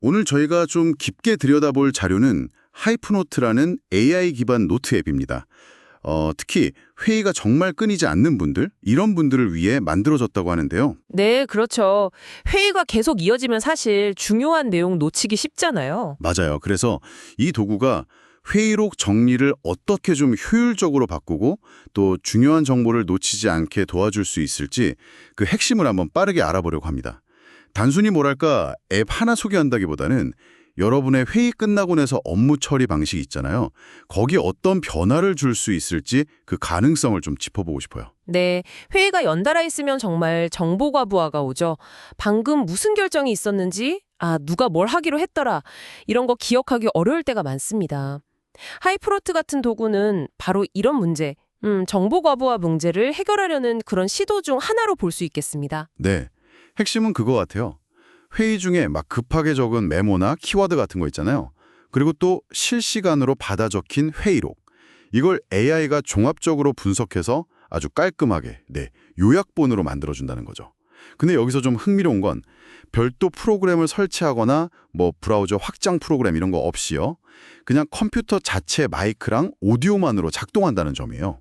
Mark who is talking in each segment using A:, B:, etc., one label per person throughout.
A: 오늘 저희가 좀 깊게 들여다볼 자료는 하이프노트라는 AI 기반 노트 앱입니다. 특히 회의가 정말 끊이지 않는 분들, 이런 분들을 위해 만들어졌다고 하는데요.
B: 네, 그렇죠. 회의가 계속 이어지면 사실 중요한 내용 놓치기 쉽잖아요.
A: 맞아요. 그래서 이 도구가 회의록 정리를 어떻게 좀 효율적으로 바꾸고 또 중요한 정보를 놓치지 않게 도와줄 수 있을지 그 핵심을 한번 빠르게 알아보려고 합니다. 단순히 뭐랄까 앱 하나 소개한다기보다는 여러분의 회의 끝나고 나서 업무 처리 방식이 있잖아요. 거기에 어떤 변화를 줄 수 있을지 그 가능성을 좀 짚어보고 싶어요.
B: 네, 회의가 연달아 있으면 정말 정보 과부하가 오죠. 방금 무슨 결정이 있었는지, 누가 뭘 하기로 했더라. 이런 거 기억하기 어려울 때가 많습니다. 하이프로트 같은 도구는 바로 이런 문제, 정보 과부하 문제를 해결하려는 그런 시도 중 하나로 볼 수 있겠습니다.
A: 네, 핵심은 그거 같아요. 회의 중에 막 급하게 적은 메모나 키워드 같은 거 있잖아요. 그리고 또 실시간으로 받아 적힌 회의록. 이걸 AI가 종합적으로 분석해서 아주 깔끔하게, 요약본으로 만들어준다는 거죠. 근데 여기서 좀 흥미로운 건 별도 프로그램을 설치하거나 뭐 브라우저 확장 프로그램 이런 거 없이요. 그냥 컴퓨터 자체 마이크랑 오디오만으로 작동한다는 점이에요.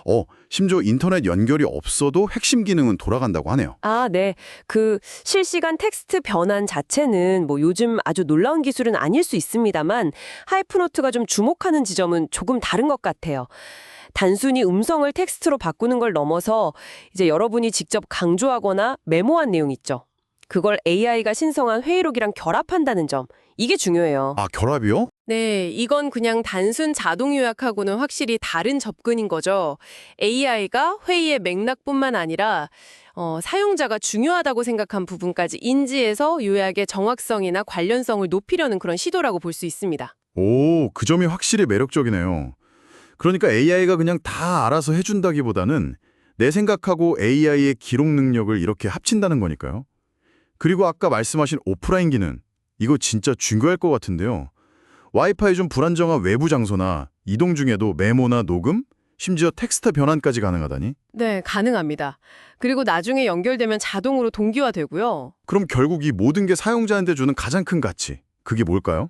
A: 심지어 인터넷 연결이 없어도 핵심 기능은 돌아간다고 하네요.
B: 네. 그 실시간 텍스트 변환 자체는 뭐 요즘 아주 놀라운 기술은 아닐 수 있습니다만 하이프노트가 좀 주목하는 지점은 조금 다른 것 같아요. 단순히 음성을 텍스트로 바꾸는 걸 넘어서 이제 여러분이 직접 강조하거나 메모한 내용 있죠. 그걸 AI가 신성한 회의록이랑 결합한다는 점. 이게 중요해요.
A: 결합이요?
B: 네, 이건 그냥 단순 자동 요약하고는 확실히 다른 접근인 거죠. AI가 회의의 맥락뿐만 아니라 사용자가 중요하다고 생각한 부분까지 인지해서 요약의 정확성이나 관련성을 높이려는 그런 시도라고 볼 수 있습니다.
A: 그 점이 확실히 매력적이네요. 그러니까 AI가 그냥 다 알아서 해준다기보다는 내 생각하고 AI의 기록 능력을 이렇게 합친다는 거니까요. 그리고 아까 말씀하신 오프라인 기능, 이거 진짜 중요할 것 같은데요. 와이파이 좀 불안정한 외부 장소나 이동 중에도 메모나 녹음, 심지어 텍스트 변환까지 가능하다니?
B: 네, 가능합니다. 그리고 나중에 연결되면 자동으로 동기화되고요.
A: 그럼 결국 이 모든 게 사용자한테 주는 가장 큰 가치, 그게 뭘까요?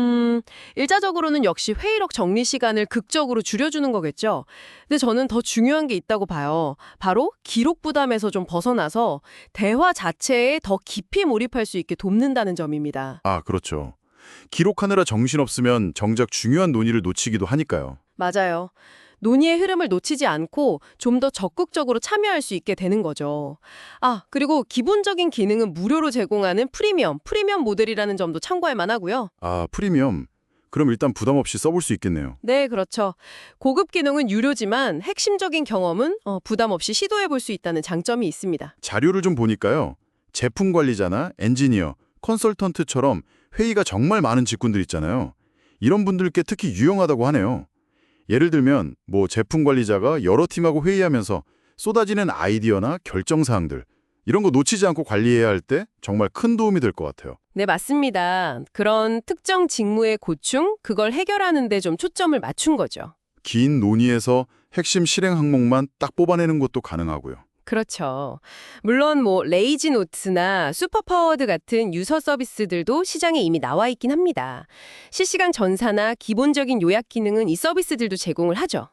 B: 일차적으로는 역시 회의록 정리 시간을 극적으로 줄여주는 거겠죠. 근데 저는 더 중요한 게 있다고 봐요. 바로 기록 부담에서 좀 벗어나서 대화 자체에 더 깊이 몰입할 수 있게 돕는다는 점입니다.
A: 그렇죠. 기록하느라 정신없으면 정작 중요한 논의를 놓치기도 하니까요.
B: 맞아요. 논의의 흐름을 놓치지 않고 좀 더 적극적으로 참여할 수 있게 되는 거죠. 그리고 기본적인 기능은 무료로 제공하는 프리미엄 모델이라는 점도 참고할 만하고요.
A: 프리미엄. 그럼 일단 부담 없이 써볼 수 있겠네요.
B: 네, 그렇죠. 고급 기능은 유료지만 핵심적인 경험은 부담 없이 시도해 볼 수 있다는 장점이 있습니다.
A: 자료를 좀 보니까요. 제품 관리자나 엔지니어, 컨설턴트처럼 회의가 정말 많은 직군들 있잖아요. 이런 분들께 특히 유용하다고 하네요. 예를 들면 제품 관리자가 여러 팀하고 회의하면서 쏟아지는 아이디어나 결정사항들 이런 거 놓치지 않고 관리해야 할 때 정말 큰 도움이 될 것 같아요.
B: 네, 맞습니다. 그런 특정 직무의 고충, 그걸 해결하는 데 좀 초점을 맞춘 거죠.
A: 긴 논의에서 핵심 실행 항목만 딱 뽑아내는 것도 가능하고요.
B: 그렇죠. 물론 레이지 노트나 슈퍼파워드 같은 유서 서비스들도 시장에 이미 나와 있긴 합니다. 실시간 전사나 기본적인 요약 기능은 이 서비스들도 제공을 하죠.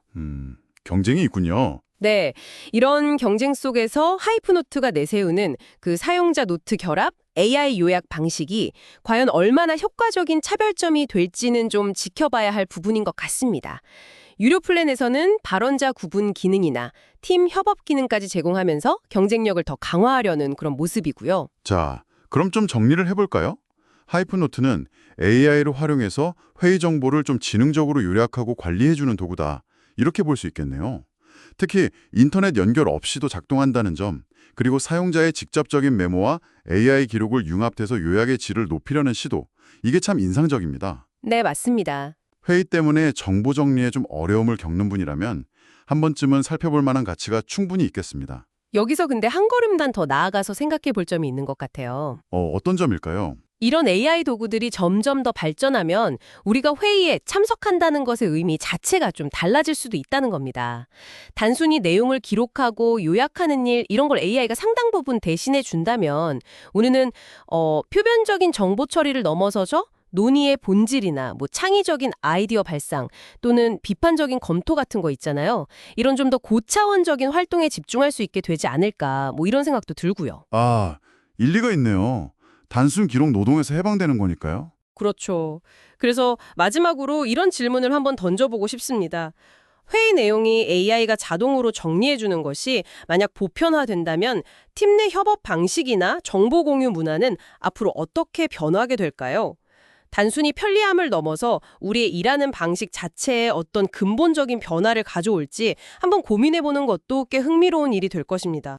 A: 경쟁이 있군요.
B: 네, 이런 경쟁 속에서 하이프노트가 내세우는 그 사용자 노트 결합, AI 요약 방식이 과연 얼마나 효과적인 차별점이 될지는 좀 지켜봐야 할 부분인 것 같습니다. 유료 플랜에서는 발언자 구분 기능이나 팀 협업 기능까지 제공하면서 경쟁력을 더 강화하려는 그런 모습이고요.
A: 자, 그럼 좀 정리를 해볼까요? 하이프노트는 AI를 활용해서 회의 정보를 좀 지능적으로 요약하고 관리해주는 도구다. 이렇게 볼 수 있겠네요. 특히 인터넷 연결 없이도 작동한다는 점, 그리고 사용자의 직접적인 메모와 AI 기록을 융합해서 요약의 질을 높이려는 시도, 이게 참 인상적입니다.
B: 네, 맞습니다.
A: 회의 때문에 정보 정리에 좀 어려움을 겪는 분이라면 한 번쯤은 살펴볼 만한 가치가 충분히 있겠습니다.
B: 여기서 근데 한 걸음단 더 나아가서 생각해 볼 점이 있는 것 같아요.
A: 어떤 점일까요?
B: 이런 AI 도구들이 점점 더 발전하면 우리가 회의에 참석한다는 것의 의미 자체가 좀 달라질 수도 있다는 겁니다. 단순히 내용을 기록하고 요약하는 일 이런 걸 AI가 상당 부분 대신해 준다면 우리는 표면적인 정보 처리를 넘어서서 논의의 본질이나 뭐 창의적인 아이디어 발상 또는 비판적인 검토 같은 거 있잖아요. 이런 좀 더 고차원적인 활동에 집중할 수 있게 되지 않을까 뭐 이런 생각도 들고요.
A: 아, 일리가 있네요. 단순 기록 노동에서 해방되는 거니까요.
B: 그렇죠. 그래서 마지막으로 이런 질문을 한번 던져보고 싶습니다. 회의 내용이 AI가 자동으로 정리해주는 것이 만약 보편화된다면 팀 내 협업 방식이나 정보 공유 문화는 앞으로 어떻게 변화하게 될까요? 단순히 편리함을 넘어서 우리의 일하는 방식 자체에 어떤 근본적인 변화를 가져올지 한번 고민해보는 것도 꽤 흥미로운 일이 될 것입니다.